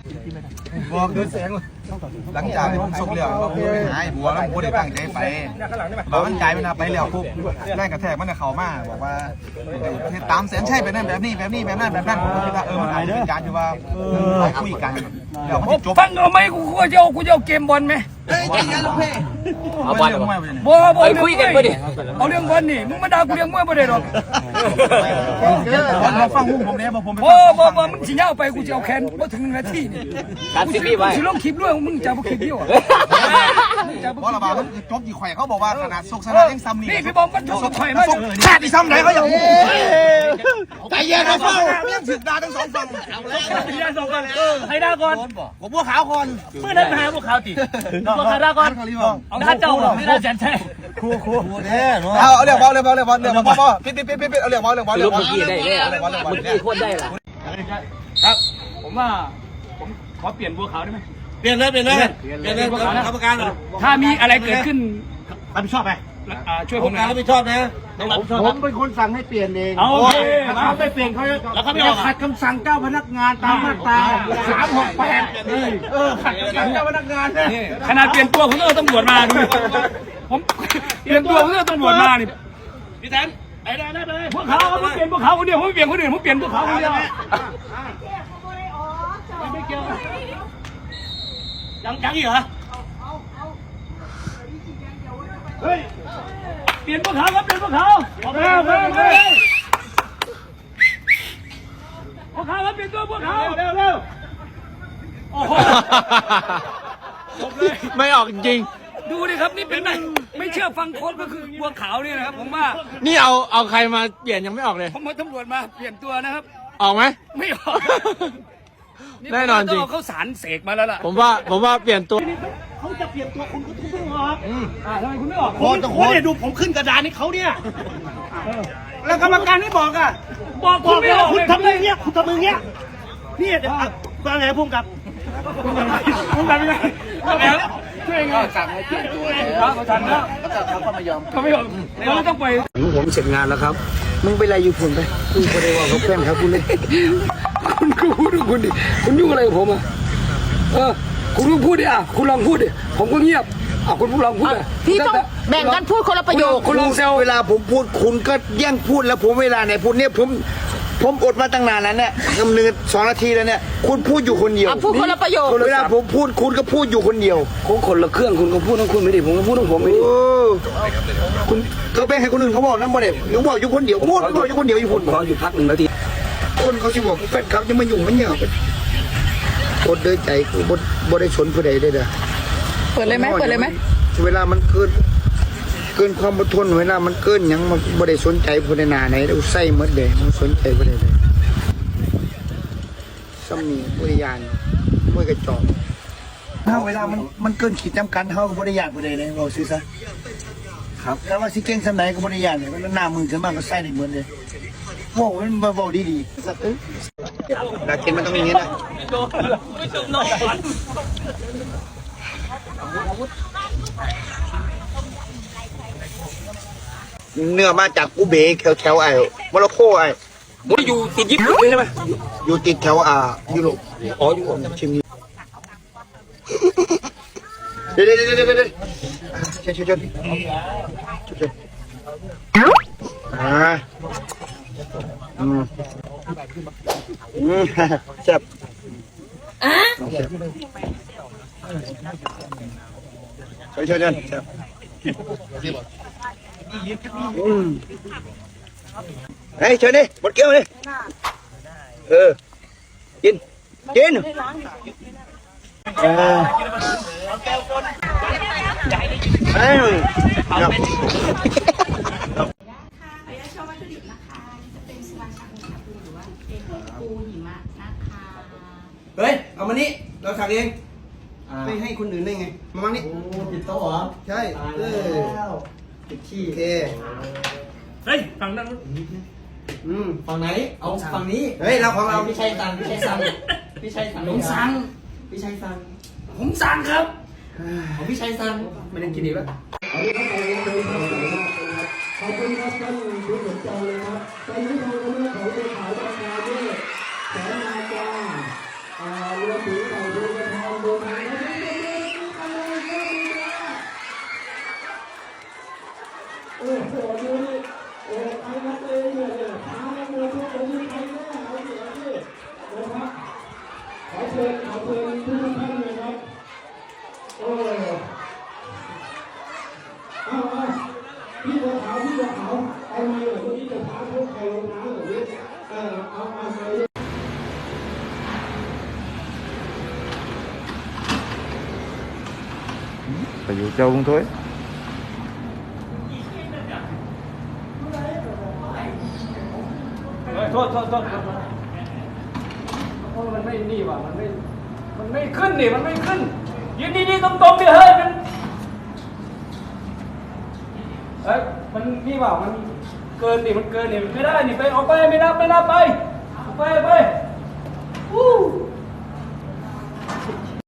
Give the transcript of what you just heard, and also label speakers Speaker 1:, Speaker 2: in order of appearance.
Speaker 1: บอกดูแสงหลังจากที่ผมส่งเรื่องว่าผมไปหายบัวแล้วผมได้ตั้งใจไปบอกมันใจมันไปแล้วปุ๊บแรงกระแทกมันเข้ามาบอกว่าตามแสนใช่แบบนั้นแบบนี้แบบนี้แบบนั้นแบบนั้นผมก็คิดว่ามันอาจจะเป็นการที่ว่าคุยกันเดี๋ยวมันจะจบ
Speaker 2: ฟังเอาไหมกูจะเอาเกมบอลไหม
Speaker 1: เอาบอล
Speaker 2: บ่คุยกันไปดิเอาเรื่องบอลนี่มึงมาด่ากูเรื่องมวยบ่ได้หรอก
Speaker 1: ฟังผมเนี่ยผม
Speaker 2: บ่มึงสิยาวไปกูจะเอาแขนบ่ถึงนาทีนี่
Speaker 3: การซีรีส์ไว้
Speaker 2: สิลงคลิปด้วยมึงจะบ่คลิปเดียว
Speaker 1: เพราะระบาดมันจบกี่แขวเขาบอกว่าขนาดสุกสนานยังซ้ำนี่
Speaker 2: พี่บอมมันสุกแขวมา
Speaker 1: แค่ที่ซ้ำไหนเขาอย่างใจเย็นนะเฝ้ายังสึกด่าทั้งสองฝั่ง
Speaker 2: ให้ด่าก่อน
Speaker 1: ผมบัวขาวก่อน
Speaker 2: เมื่อนั้นหาพวกเขาติบัวขาวด่าก่อนเอาด่าเจ้าไม่ด่าแสนใช่
Speaker 1: ครูแท้เนาะเอาเรื่องบอลปิดเอาเรื่องบอลเอาเรื่องบอลเมื่อ
Speaker 3: กี้ได้แล้วเมื่อกี้โคตรได้ละ
Speaker 2: ครับผมว่าผมขอเปลี่ยนบัวขาวได้ไหม
Speaker 1: เปลี่ยนเลยกรรมการ
Speaker 2: ถ้ามีอะไรเกิดขึ้น
Speaker 1: รับผิดชอบไป
Speaker 2: ช่วยผม
Speaker 1: รับผิดชอบนะ
Speaker 4: ผมเป็นคนสั่งให้เปลี่ยนเอง
Speaker 2: โอเค
Speaker 4: เขาไม่เปลี่ยนเขาจะขัดคำสั่งเจ้าพนักงานตามมาตรา368ขัดคำสั่งเจ้าพนักงาน
Speaker 2: นี่ขนาดเปลี่ยนตัวผมต้องตำรวจมาดูผมเปลี่ยนตัวผมต้องตำรวจมานี่พี่แทนไอ้ได้เลยพวกเขาเปลี่ยนพวกเขาคนเดียวผมไม่เปลี่ยนคนอื่นผมเปลี่ยนพวกเขาคนเดียวไม่เกี่ยวยังอีกเหรอเฮ้ยเปลี่ยนพวกเขาครับเปลี่ยนพวกเขาพวกเขาครับเปลี่ยนตัวพวกเขาเร็วโอ้โห
Speaker 3: ไม่ออกจริง
Speaker 2: ดูดิครับนี่เป็นไม่เชื่อฟังโค้ชก็คือบัวขาวนี่นะครับผมว่า
Speaker 3: นี่เอาใครมาเปลี่ยนยังไม่ออกเลย
Speaker 2: ผมมาตำรวจมาเปลี่ยนตัวนะครับ
Speaker 3: ออกไหม
Speaker 2: ไม่ออก
Speaker 3: แน่นอนจริง
Speaker 2: เขาสารเสกมาแล้วล่ะ
Speaker 3: ผมว่าเปลี่ยนตัว
Speaker 4: เขาจะเปลี่ยนตัวคุณก็ทุบไม่ออก
Speaker 2: ทำไมคุณไม่ออก
Speaker 4: โค้ชเนี่ยดูผมขึ้นกระดานให้เขาเนี่ยแล้วกรรมการไม่บอกอ่ะ
Speaker 2: บอกคุณไม่ออก
Speaker 4: คุณทำมือเงี้ยคุณทำมือเงี้ยนี่เดี๋ยวฟังไงพุ่งกับยังไง
Speaker 2: ช่วยไงสั่งให้เปลี่ยนตัวเขาสั่งแล้วเขาไม่ยอมเขาต้องไป
Speaker 4: ผมเสร็จงานแล้วครับมึงไปอะไรอยู่พุ่นไปคุณก็ได้ว่าเขาแกล้งครับคุณเลยคุณก็พูดคุณดิคุณยุ่งอะไรกับผมอ่ะคุณลองพูดดิคุณลองพูดดิผมก็เงียบคุณลองพูดเลย
Speaker 5: พี่ต้องแบ่งกันพูดคนละประโยค
Speaker 4: คุณลองเซลเวลาผมพูดคุณก็แย่งพูดแล้วผมเวลาไหนพูดเนี่ยผมอดมาตั้งนานนั้นเนี่ยกำเนิด2 นาทีแล้วเนี่ยคุณพูดอยู่คนเดียว
Speaker 5: พูดคนละประโยค
Speaker 4: เวลาผมพูดคุณก็พูดอยู่คนเดียวคนละเครื่องคุณก็พูดของคุณไม่ได้ผมก็พูดของผมไม่ได้คุณก็ไปให้คนอื่นเขาบอกนั่นบ่ได้หนูบอกอยู่คนเดียวพูดบอกอยู่คนเดียวอยู่พูดบอกอยู่พัก1 นาทีคนเขาสิบอกแฟนครับยังมายุ่งมันเนี่ยกดเดินใจคือบได้สนผู้ใดได้เด้อ
Speaker 5: เปิดเลยไหม
Speaker 4: เวลามันเกินความอดทนเวลามันเกินยังมันบ่ได้สนใจผู้ใดหน้าไหนแล้วใส่หมดเลยมันสนใจผู้ใดเลยซ้ำนี่ผู้ใดยานมวยกระจอกถ้าเวลามันเกินขีดจำกัดเฮาก็บ่ได้ยานผู้ใดเลยเราซื้อซะครับแล้วว่าสิเก่งสำไหนก็บ่ได้ยานเลยมันหน้ามือขึ้นมาก็ใส่ได้เหมือนเลยโว้มันบ่เว้าดีๆนักเก็ตมันต้องอย่างงี้นะเนื้อมาจากกูเบกแถวไอ้โมร็อกโกไอ้
Speaker 2: มันอยู่ติดญี่ปุ่นเลยใช่ไหม
Speaker 4: อยู่ติดแถวยุโรปอยู่ชิมนี้เดี๋ยวเชิญแซ่บเชิญแซ่บเฮ้ยเชิญดิหมดเกี้ยวดิกินเฮ้ยเอามานี่เราสั่งเองไม่ให้คนอื่นได้ไงมามั่งนี่ติดโต๊ะเหรอใช่ติดขี้เ
Speaker 2: เฮ้ยฝั่งนั้น
Speaker 3: ฝั่งไหนเอาฝั่งนี้
Speaker 4: เฮ้ยเราของเรา
Speaker 3: พี่ชัยสั่ง
Speaker 2: ผมสั่งครับ
Speaker 3: ของพี่ชัยสั่ง
Speaker 4: ไม่ได้กินอีกแล้วขอบคุณครับท่านผู้สนใจเลยครับตอนนี้ทางคณะเขาได้ขายราคาด้วยแสนนาฬิกาเรือถือ
Speaker 2: เชิญทุกท่านเลยครับพี่บัวขาวเอามาเลยเมื่อกี้จะพาพวกใครลงน้ำแบบนี้เอามาเลย
Speaker 1: ไปอยู่เจ้าลุงถ้วย
Speaker 2: โทษเพราะมันไม่นี่ว่ะมันไม่ขึ้นดิมันไม่ขึ้นยืนดีๆตรงๆดิเฮ้ยมันนี่ว่ะมันเกินดิมันเกินดิไม่ได้นี่ไปออกไปไม่นับไปออกไป